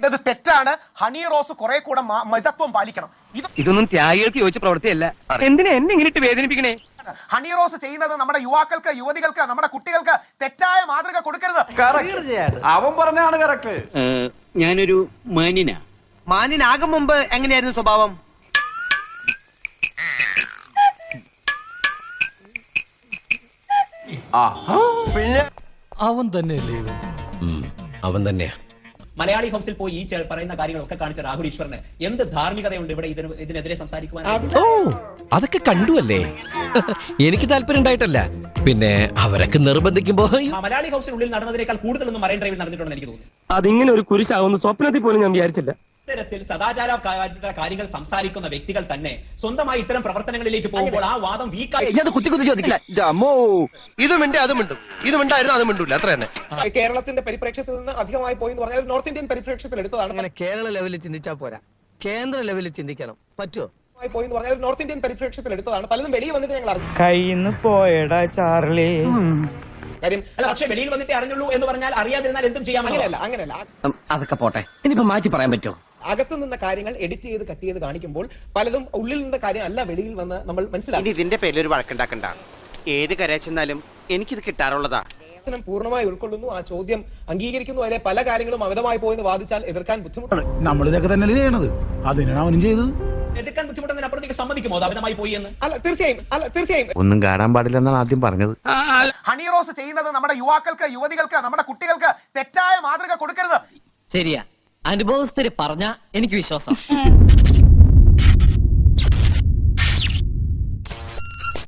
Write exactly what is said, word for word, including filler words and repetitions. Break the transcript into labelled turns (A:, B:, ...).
A: ചെയ്തത് തെറ്റാണ്. Honey rose കുറെ കൂടെ മിതത്വം പാലിക്കണം. ഇത്
B: ഇതൊന്നും ത്യാഗികൾക്ക് യോജിച്ച പ്രവൃത്തിയല്ല. എന്തിനാ എന്നെ ഇങ്ങനെ വേദനിപ്പിക്കണേ?
A: ഹണി റോസ് ചെയ്യുന്നത് നമ്മുടെ യുവാക്കൾക്ക്, യുവതികൾക്ക്, നമ്മുടെ കുട്ടികൾക്ക് തെറ്റായ മാതൃക കൊടുക്കരുത്.
C: അവൻ പറഞ്ഞാണ് കറക്റ്റ്.
D: ഞാനൊരു മാന്യനാ.
E: മാന്യനാകും മുമ്പ് എങ്ങനെയായിരുന്നു സ്വഭാവം?
F: അവൻ തന്നെയല്ലേ അവൻ തന്നെയാ.
G: മലയാളി ഹൗസിൽ പോയി ഈ പറയുന്ന കാര്യങ്ങളൊക്കെ കാണിച്ച രാഹുൽ ഈശ്വറിന് എന്ത് ധാർമ്മികതയുണ്ട് ഇവിടെ ഇതിനെതിരെ സംസാരിക്കുവാൻ?
F: ഓ അതൊക്കെ കണ്ടുവല്ലേ. എനിക്ക് താല്പര്യം ഉണ്ടായിട്ടല്ല, പിന്നെ അവരൊക്കെ നിർബന്ധിക്കുമ്പോ.
G: മലയാളി ഹൗസിനുള്ളിൽ നടന്നതിനേക്കാൾ കൂടുതലൊന്നും മറൈൻ ഡ്രൈവിൽ നടന്നിട്ടുണ്ടെന്ന് എനിക്ക് തോന്നുന്നു.
B: അതിങ്ങനെ ഒരു കുരിശാവുന്ന സ്വപ്നത്തിൽ പോലും ഞാൻ വിചാരിച്ചില്ല.
G: ഇത്തരത്തിൽ സദാചാര കാര്യങ്ങൾ സംസാരിക്കുന്ന വ്യക്തികൾ തന്നെ സ്വന്തമായി ഇത്തരം പ്രവർത്തനങ്ങളിലേക്ക് പോകുമ്പോൾ ആ വാദം വീക്കായി.
A: കേരളത്തിന്റെ പരിപ്രേക്ഷ്യത്തിൽ നിന്ന് അധികമായി പോയി എന്ന് പറഞ്ഞാൽ നോർത്ത് ഇന്ത്യൻ പരിപ്രേക്ഷ്യത്തിൽ എടുത്തതാണ്.
E: അങ്ങനെ കേരള ലെവലിൽ ചിന്തിച്ചാ പോരാ, കേന്ദ്ര ലെവലിൽ ചിന്തിക്കണം. പറ്റുമോ?
A: പോയി എന്ന് പറഞ്ഞാൽ നോർത്ത് ഇന്ത്യൻ പരിപ്രേക്ഷ്യത്തിൽ എടുത്തതാണ്. പലതും വെളിയിൽ വന്നിട്ട് ഞങ്ങൾ അറിഞ്ഞു.
H: കയ്യിന്ന് പോയടാ ചാർലി.
G: കാര്യം അല്ല, പക്ഷെ വെളിയിൽ വന്നിട്ടേ അറിഞ്ഞുള്ളൂ എന്ന് പറഞ്ഞാൽ അറിയാതിരുന്നാൽ എന്തും ചെയ്യാം. അങ്ങനെയല്ല അങ്ങനെയല്ല
D: അതൊക്കെ പോട്ടെ, ഇനിയിപ്പോ മാറ്റി പറയാൻ പറ്റുമോ?
G: അകത്ത് നിന്ന കാര്യങ്ങൾ എഡിറ്റ് ചെയ്ത് കട്ട് ചെയ്ത് കാണിക്കുമ്പോൾ പലതും ഉള്ളിൽ നിന്ന കാര്യം അല്ല വെളിയിൽ വന്ന് നമ്മൾ മനസ്സിലാക്കി.
E: ഇതിന്റെ പേരിൽ ഒരു വഴക്കുണ്ടാക്കണ്ട. ഏത് കരച്ചെന്നാലും എനിക്കിത് കിട്ടാറുള്ളതാ.
G: പൂർണ്ണമായി ഉൾക്കൊള്ളുന്നു, ആ ചോദ്യം അംഗീകരിക്കുന്നു. അതിലെ പല കാര്യങ്ങളും അമിതമായി പോയെന്ന് വാദിച്ചാൽ എതിർക്കാൻ ബുദ്ധിമുട്ടാണ്.
F: നമ്മൾ ഇതൊക്കെ തന്നെ ചെയ്യണത്, അതിനാണ് അവനും ചെയ്തത്.
G: എതിർക്കാൻ ബുദ്ധിമുട്ടുന്നതിനപ്പുറത്തേക്ക് സമ്മതിക്കുമോ അത് അമിതമായി പോയി എന്ന്? അല്ല, തീർച്ചയായും അല്ല തീർച്ചയായും
H: ഒന്നും കാണാൻ പാടില്ലെന്നാണ് ആദ്യം പറഞ്ഞത്.
A: ഹണി റോസ് ചെയ്യുന്നത് നമ്മുടെ യുവാക്കൾക്ക്, യുവതികൾക്ക്, നമ്മുടെ കുട്ടികൾക്ക് തെറ്റായ മാതൃക കൊടുക്കരുത്.
D: ശരിയാ, അനുഭവസ്ഥര് പറഞ്ഞ എനിക്ക് വിശ്വാസം.